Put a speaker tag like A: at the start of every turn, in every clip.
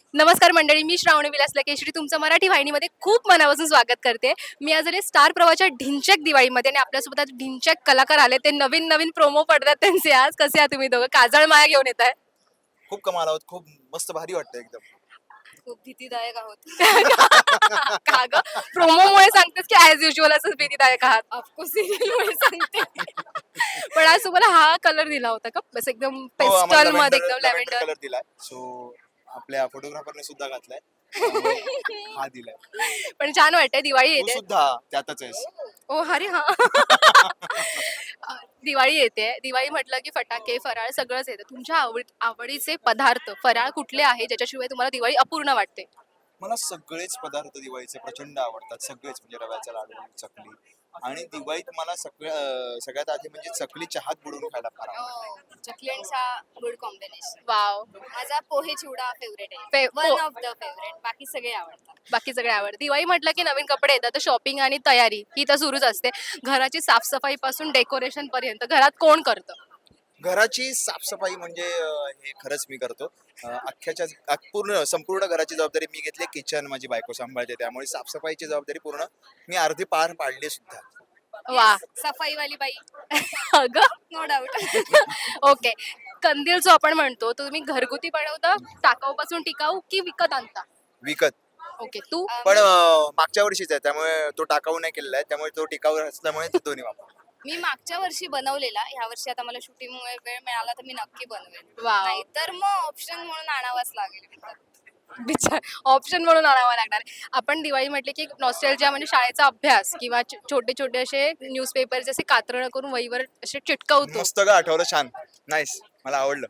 A: नमस्कार मंडळी, मी श्रावणी विलास लकेश्री तुमचं मराठी वाहिनीमध्ये खूप मनापासून स्वागत करते. मी आज आले स्टार प्रवाहच्या ढिंच्याक दिवाळीमध्ये आणि आपल्यासोबत आज ढिंच्याक कलाकार आले. ते नवीन नवीन प्रोमो पडतात त्यांचे. आज कसे आहात तुम्ही दोघं? काजळ माया घेऊन येत आहे.
B: खूप कमाल आहोत. खूप मस्त भारी वाटतं एकदम.
C: खूप भीतीदायक आहोत.
A: का ग? प्रोमोमुळे सांगतेस की ऍज युजल असंच भीतीदायक आहात?
C: ऑफकोर्स सिरियलमुळे सांगते.
A: पण आज तुम्हाला हा कलर दिला होता का? बस एकदम पेस्टल मध्ये एकदम लॅव्हेंडर.
B: कलर दिलाय. सो आपल्या फोटोग्राफरने सुद्धा घातलाय. त्यामुळे हा दिलाय.
A: पण छान वाटतंय. दिवाळी
B: तू
A: येते.
B: सुद्धा त्यातच आहेस.
A: ओ अरे हा. दिवाळी येते. दिवाळी म्हटलं की फटाके, फराळ सगळंच येतं. तुमच्या आवडीचे पदार्थ, फराळ कुठले आहे ज्याच्याशिवाय तुम्हाला दिवाळी अपूर्ण वाटते?
B: मला सगळेच पदार्थ दिवाळीचे प्रचंड आवडतात. सगळेच म्हणजे रव्याचा लाडू, चकली आणि दिवाळीत मला सगळ्यात आधी म्हणजे चकली चहात बुडवून खायला फार आवडतं.
C: चकली आणि चहा गुड कॉम्बिनेशन.
A: वाव.
C: माझा पोहे चिवडा फेवरेट आहे. One of the favourite. बाकी सगळे आवडतात.
A: बाकी सगळे आवड. दिवाळी म्हटलं की नवीन कपडे येतात, तर शॉपिंग आणि तयारी ही तर सुरूच असते. घराची साफसफाई पासून डेकोरेशन पर्यंत घरात कोण करतं?
B: घराची साफसफाई म्हणजे हे खरंच मी करतो. संपूर्ण घराची जबाबदारी मी घेतली. किचन माझी बायको सांभाळते, त्यामुळे साफसफाईची जबाबदारी पूर्ण मी अर्धी पार पाडली सुद्धा.
A: वा.
C: सफाईवाली बाई.
A: अगं.
C: No doubt.
A: ओके. कंदील जो आपण म्हणतो, तो तुम्ही घरगुती बनवता, टाकाऊपासून टिकाऊ की विकत आणता?
B: विकत.
A: ओके. तू?
B: पण मागच्या वर्षीच आहे, त्यामुळे तो टाकाऊ नाही केलेला आहे, त्यामुळे तो टिकाऊ असल्यामुळे ते दोन्ही वापर.
C: मी मागच्या वर्षी बनवलेला. ह्या वर्षी आता मला शूटिंगमुळे वेळ मिळाला तर मी नक्की बनवेन.
A: वाव.
C: नाहीतर मग ऑप्शन म्हणून आणावाच लागेल विकत.
A: विचार ऑप्शन म्हणून आणावा लागणार. आपण दिवाळी म्हटले की नॉस्टॅल्जिया म्हणजे शाळेचा अभ्यास किंवा छोटे छोटे असे न्यूजपेपर जसे कात्रणं करून वहीवर असे चिटकवतो.
B: मस्त का आठवलं, छान, नाईस, मला आवडलं.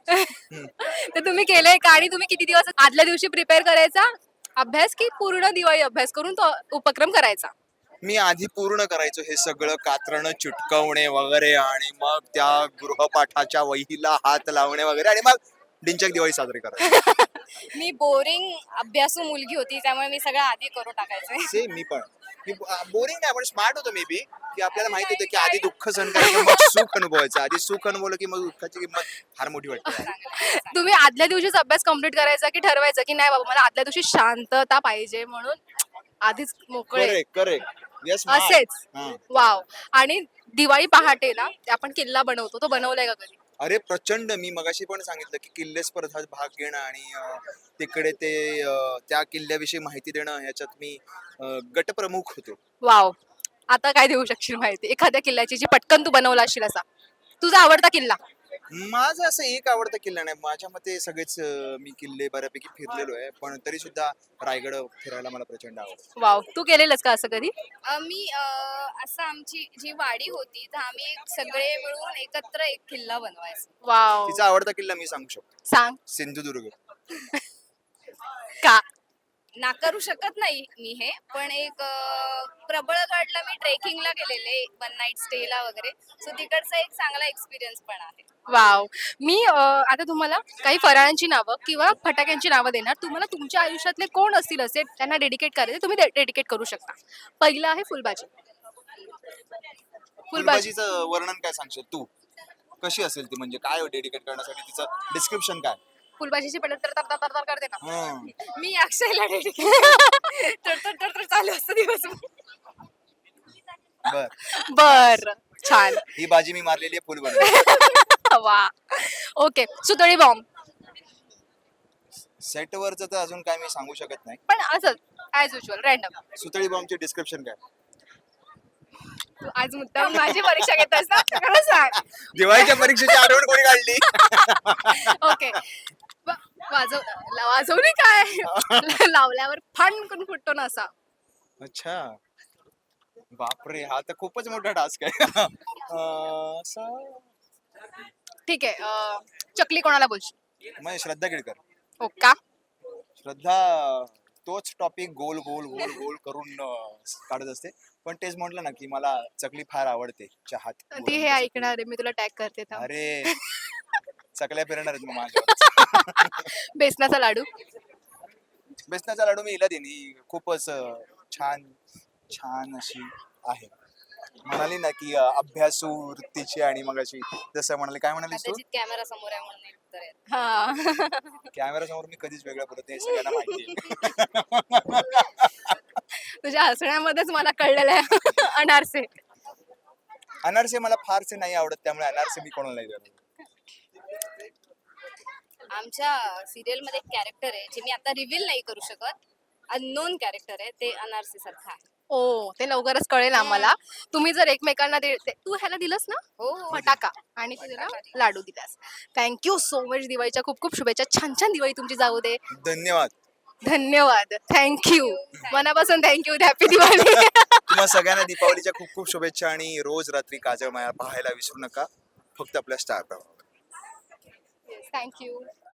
A: तर तुम्ही केलंय का? आणि तुम्ही किती दिवस आदल्या दिवशी प्रिपेअर करायचा अभ्यास की पूर्ण दिवाळी अभ्यास करून तो उपक्रम करायचा?
B: मी आधी पूर्ण करायचो हे सगळं, कात्रणं चिटकवणे वगैरे, आणि मग त्या गृहपाठाच्या वहीला हात लावणे वगैरे, आणि मग डिंचक दिवाळी साजरी करायची.
C: मी बोरिंग अभ्यासू मुलगी होती त्यामुळे मी सगळं आधी करून टाकायचे.
B: सेम मी पण. बोरिंग नाही, पण स्मार्ट होतो मे बी, की आपल्याला माहिती होतं की आधी दुःख सहन करायचं, मग सुख अनुभवायचं. आधी सुख अनुभवलं की मग दुःखाची किंमत फार मोठी वाटते.
A: तुम्ही आदल्या दिवशीच अभ्यास कम्प्लीट करायचा की ठरवायचं की नाही बाबा मला आदल्या दिवशी शांतता पाहिजे म्हणून आधीच मोकळे
B: करेक्ट करेक्ट. येस.
A: असेच? वाव. आणि दिवाळी पहाटे ना आपण किल्ला बनवतो, तो बनवलाय का कधी?
B: अरे प्रचंड. मी मगाशी पण सांगितलं की किल्ले स्पर्धात भाग घेणं आणि तिकडे ते त्या किल्ल्याविषयी माहिती देणं, ह्याच्यात मी गटप्रमुख होतो.
A: वाव. आता काय देऊ शकशील माहिती एखाद्या किल्ल्याची जी पटकन तू बनवला असशील असा तुझा आवडता किल्ला?
B: माझं असं एक आवडता किल्ला नाही, माझ्या मते सगळेच मी किल्ले बऱ्यापैकी फिरलेलो आहे, पण तरी सुद्धा रायगड फिरायला मला प्रचंड आवडतं.
A: वाव. तू केलेलंस का असं कधी?
C: मी असं आमची जी वाडी होती तर आम्ही सगळे मिळून एकत्र एक किल्ला बनवायचो.
A: वाव.
B: तिचा आवडता किल्ला मी सांगू शकतो,
A: सांग.
B: सिंधुदुर्ग.
A: का?
C: नाकारू शकत नाही मी हे, पण एक प्रबळगडला मी ट्रेकिंगला गेलेले वन नाईट स्टेला वगैरे, सो तिकडचा एक चांगला एक्सपिरियन्स पण आहे.
A: वाव. मी आता तुम्हाला काही फराळांची नावं किंवा फटाक्यांची नावं देणार. तुम्हाला तुमच्या आयुष्यातले कोण असतील असे त्यांना डेडिकेट करायचे, तुम्ही डेडिकेट करू शकता. पहिलं आहे फुलबाजी. फुलबाजी.
B: फुलबाजीचं वर्णन काय सांगशील तू? कशी असेल ती, म्हणजे काय डेडिकेट करण्यासाठी तिचं डिस्क्रिप्शन काय?
A: फुलबाजीची पहिले तर तर तर तर करते ना.
C: मी अक्षयला डेडिकेट तर चालू असतं दिवस.
B: बर.
A: बर. छान.
B: ही बाजी मी मारलेली आहे फुलबाजी.
A: वा. ओके. सुतळी बॉम्ब.
B: सेटवरचं तर अजून काय मी सांगू शकत नाही.
A: पण असंच ऍज युजल रॅन्डम.
B: सुतळी बॉम्बचे डिस्क्रिप्शन काय?
A: तू आज मुद्दाम माझी परीक्षा घेतोस ना, खरं सांग.
B: दिवाळीच्या परीक्षेची आठवण कोणी काढली?
A: ओके. वाजवली काय? लावल्यावर फण करून फुटतो ना असा.
B: अच्छा, बापरे, हा तर खूपच मोठा टास्क आहे.
A: ठीक आहे. चकली कोणाला बोलशील?
B: मग श्रद्धा केळकर.
A: हो का?
B: श्रद्धा तोच टॉपिक गोल गोल गोल गोल करून काढत असते, पण तेच म्हटलं ना की मला चकली फार आवडते चहात.
A: ती हे ऐकणार आहे, मी तुला टॅग करते थांब.
B: अरे चकल्या फिरणार आहेत मग माझ्या.
A: बेसनाचा लाडू.
B: बेसनाचा लाडू मी हिला देईन, ही खूपच छान छान अशी आहे. म्हणाली ना की अभ्यासू वृत्तीची, आणि मग अशी जसं म्हणाले, काय म्हणालीस तू?
C: कदाचित कॅमेरा समोर आहे म्हणून. उत्तर आहे.
A: हा
B: कॅमेरा समोर मी कधीच वेगळं बोलत नाही हे सगळ्यांना माहिती आहे.
A: तुझ्या हसण्यामध्येच मला कळलेलं आहे अनारसे.
B: अनारसे मला फारसे नाही आवडत त्यामुळे अनारसे मी कोणाला नाही देणार.
C: आमच्या सिरियल मध्ये एक कॅरेक्टर आहे जे मी आता रिव्हील नाही करू शकत. अननोन कॅरेक्टर आहे ते अनारसी सारखं आहे.
A: ओ ते लवकरच कळेल आम्हाला. तुम्ही जर एकमेकांना तू ह्याला दिलंस ना
C: हो
A: फटाका आणि तू त्याला लाडू दिलास. Thank you so much. दिवाळीच्या खूप खूप शुभेच्छा. छान छान दिवाळी तुमची जाऊ दे.
B: धन्यवाद.
A: धन्यवाद. थँक्यू मनापासून थँक्यू. हॅपी दिवाळी.
B: तुम्हा सगळ्यांना दीपावलीच्या खूप खूप शुभेच्छा आणि रोज रात्री काजळ माया पाहायला विसरू नका फक्त आपल्या स्टार प्रवाह.
A: थँक्यू.